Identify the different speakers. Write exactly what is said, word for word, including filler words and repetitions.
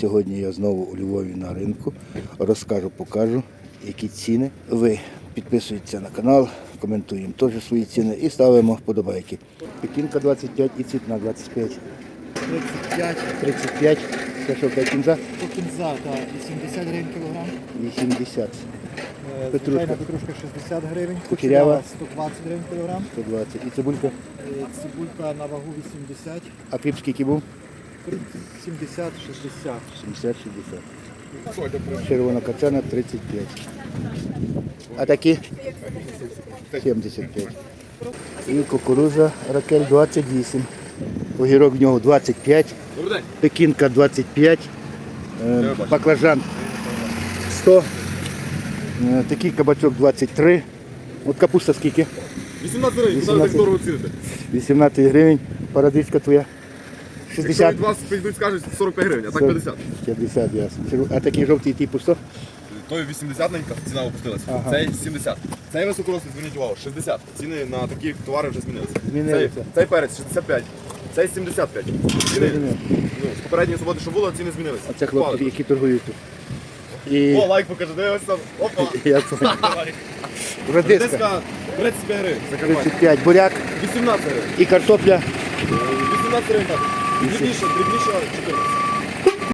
Speaker 1: Сьогодні я знову у Львові на ринку. Розкажу, покажу, які ціни. Ви підписуєтеся на канал, коментуємо теж свої ціни і ставимо вподобайки. Пекінка двадцять п'ять і цвітна двадцять п'ять.
Speaker 2: тридцять п'ять.
Speaker 1: тридцять п'ять. Це що, та кінза?
Speaker 2: По кінза, так, вісімдесят гривень кілограм.
Speaker 1: вісімдесят.
Speaker 2: Е,
Speaker 1: Петрушка.
Speaker 2: Звичайна петрушка шістдесят гривень.
Speaker 1: Кучерява.
Speaker 2: сто двадцять гривень кілограм.
Speaker 1: сто двадцять. І цибулька.
Speaker 2: Е, Цибулька на вагу вісімдесят.
Speaker 1: А кріп скільки був?
Speaker 2: сімдесят шістдесят.
Speaker 1: сімдесят шістдесят. Червона качана тридцять п'ять. А такі? сімдесят п'ять. І кукуруза Ракель двадцять вісім. Огірок в нього двадцять п'ять. Пекінка двадцять п'ять. Е, Баклажан сто. Е, Такий кабачок двадцять три. От капуста скільки?
Speaker 3: вісімнадцять гривень,
Speaker 1: вісімнадцять.
Speaker 3: так дорого ціните.
Speaker 1: вісімнадцять гривень. Парадичка твоя.
Speaker 3: Якщо
Speaker 1: шістдесят.
Speaker 3: від вас прийдуть, скажуть сорок п'ять гривень, а так п'ятдесят.
Speaker 1: п'ятдесят, ясно. А такий жовтий типу сто?
Speaker 3: Той вісімдесят-ненька, ціна опустилась.
Speaker 1: Ага.
Speaker 3: Цей сімдесят. Цей високорослий, зверніть увагу, шістдесят. Ціни на такі товари вже змінилися.
Speaker 1: Змінилися.
Speaker 3: Цей, цей перець шістдесят п'ять. Цей сімдесят п'ять. Ціни,
Speaker 1: Зрозумів.
Speaker 3: ну, з попередньої суботи, що було, ціни змінилися.
Speaker 1: А це хлопці,
Speaker 3: Впали.
Speaker 1: які торгують тут. І...
Speaker 3: О, лайк покажи, дивись там. Опа.
Speaker 1: Я це... Радиска
Speaker 3: Редиска тридцять п'ять гривень. Закарпаття.
Speaker 1: тридцять п'ять, буряк
Speaker 3: вісімнадцять гривень.
Speaker 1: і картопля
Speaker 3: вісімнадцять гривень так. Дрібніше, дрібніше чотирнадцять.